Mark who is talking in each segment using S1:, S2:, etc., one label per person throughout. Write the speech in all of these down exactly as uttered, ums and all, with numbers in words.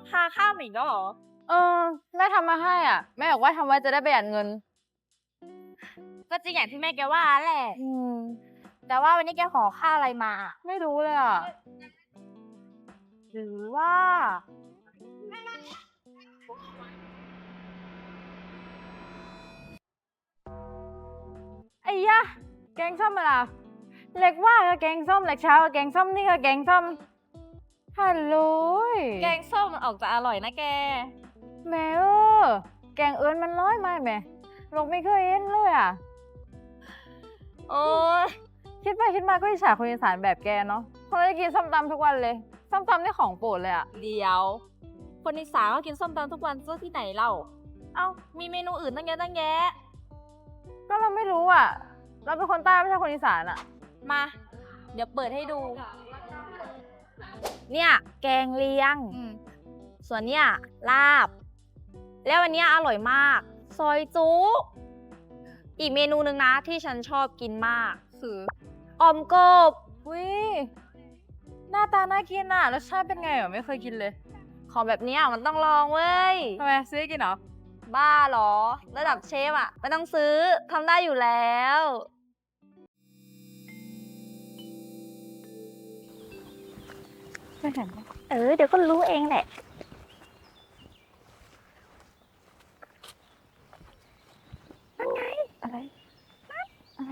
S1: ค่าข้าวอีกแล้วเหรอ
S2: เออแม่ทำมาให้อ่ะแม่บอกว่าทำไว้จะได้ประหยัดเงิน
S1: ก็จริงอย่างที่แม่แกว่าแหละ
S2: อืม
S1: แต่ว่าวันนี้แกขอค่าอะไรมา
S2: ไม่รู้เลยอ่ะ
S1: หรือว่า
S2: ไอ้ยะแกงส้มอะไรเล็กว่าก็แกงส้มเล็กเช้าก็แกงส้มนี่ก็แกงส้มฮัลโหล
S1: แกงส้มมันออกจะอร่อยนะแก
S2: แม่เออแกงเอิญมันร้อยไหมแม่ลงไม่เคยเห็นเลยอ่ะ
S1: โอ้ย
S2: คิดไปคิดมาก็อิจฉาคนอีสานแบบแกเนาะเขาจะกินส้มตำทุกวันเลยส้มตำนี่ของโปรดเลยอ่ะ
S1: เดี๋ยวคนอีสานก็กินส้มตำทุกวันซะที่ไหนเล่าเอ้ามีเมนูอื่นตั้งเยอะตั้งแยะ
S2: ก็เราไม่รู้อ่ะเราเป็นคนใต้ไม่ใช่คนอีสานอ่ะ
S1: มาเดี๋ยวเปิดให้ดู เนี่ยแกงเลียงส่วนเนี่ยลาบแล้ววันนี้อร่อยมากซอยจุอีกเมนูหนึ่งนะที่ฉันชอบกินมากคือออมกบ
S2: วิหน้าตาน่ากินอ่ะรสชาติเป็นไงอ่ะไม่เคยกินเลย
S1: ของแบบนี้มันต้องลองเว้ย
S2: ทำไมซื้อกินเหรอ
S1: บ้าเหรอระดับเชฟอะไม่ต้องซื้อทำได้อยู่แล้ว
S2: ไม่เห็น
S1: เออเดี๋ยวก็รู้เองแหละนั่นไง
S2: อะไรอะไร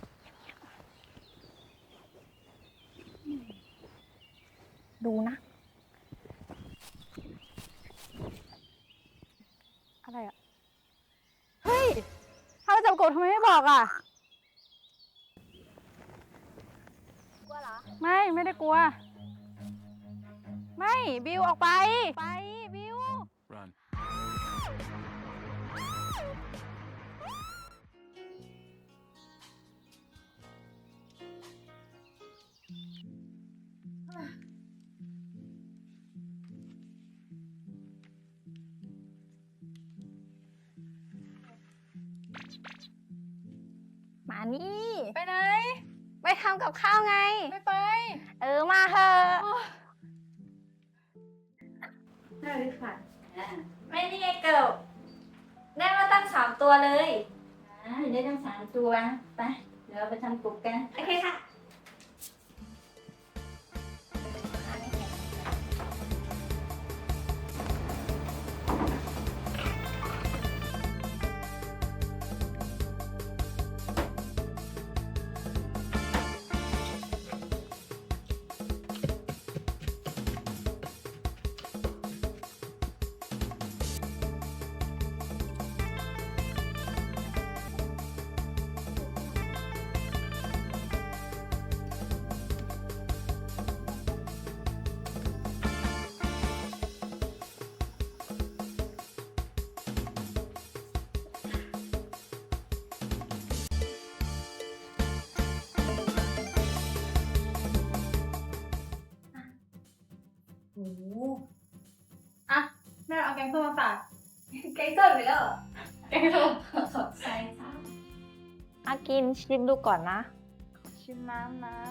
S1: ดูนะ
S2: อะไรอ่ะเฮ้ยถ้าจับกบทำไมไม่บอกอ่ะ
S1: กลัวเหรอ
S2: ไม่ไม่ได้กลัวไม่บิวออกไปไปบิว Run.
S1: มานี่
S2: ไปไหน
S1: ไปทำกับข้าวไง
S2: ไม่ไป
S1: เออมาเถอะ
S2: ได้เลยค่ะ
S1: ไม่นี่ไงเกิบได้มาตั้งสามตัวเลย
S2: อ่าได้ตั้งสามตัวไปเดี๋ยวเราไปทำกบกัน
S1: โอเคค่ะ
S2: โอ้อ่ะแม่เอาแกงส้มมาฝาก
S1: แกงส้มไปแล้ว
S2: แกงส้ม
S1: ใช่ค่ะอากินชิมดูก่อนนะ
S2: ชิมน้ำนะ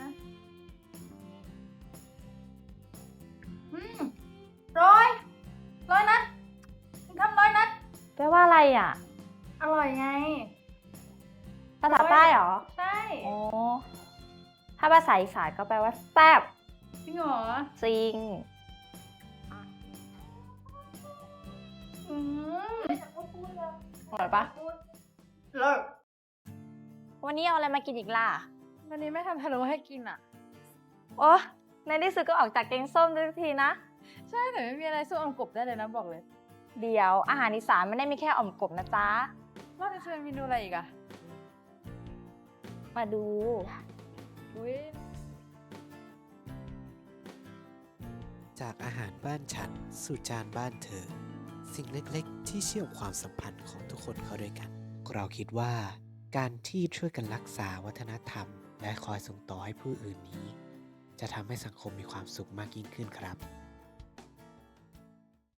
S2: อืมร้อยร้อยนัดทำร้อยนัด
S1: แปลว่าอะไรอ่ะ
S2: อร่อยไง
S1: ภาษาใต้เหรอ
S2: ใช่
S1: โอ้ถ้าภาษาอีสานก็แปลว่าแซ่บ
S2: จริงเหรอ
S1: จริง
S2: อืมอร่อยปะเลิศ
S1: วันนี้เอาอะไรมากินอีกล่ะ
S2: วันนี้ไม่ทำพะโล้ให้กินอ่ะ
S1: โอ้ในที่สุดก็ออกจากแกงส้มทุกทีนะ
S2: ใช่แต่ไม่มีอะไรสู้อมกบได้เลยนะบอกเลย
S1: เดี๋ยวอาหารอีสานไม่ได้มีแค่อ่อมกบนะจ๊ะ
S2: นอกจากจะมีเมนูอะไรอีกอะ
S1: มาดู
S2: อุ้ย
S3: จากอาหารบ้านฉันสู่จานบ้านเธอสิ่งเล็กๆที่เชื่อมความสัมพันธ์ของทุกคนเข้าด้วยกันเราคิดว่าการที่ช่วยกันรักษาวัฒนธรรมและคอยส่งต่อให้ผู้อื่นนี้จะทำให้สังคมมีความสุขมากยิ่งขึ้นครับ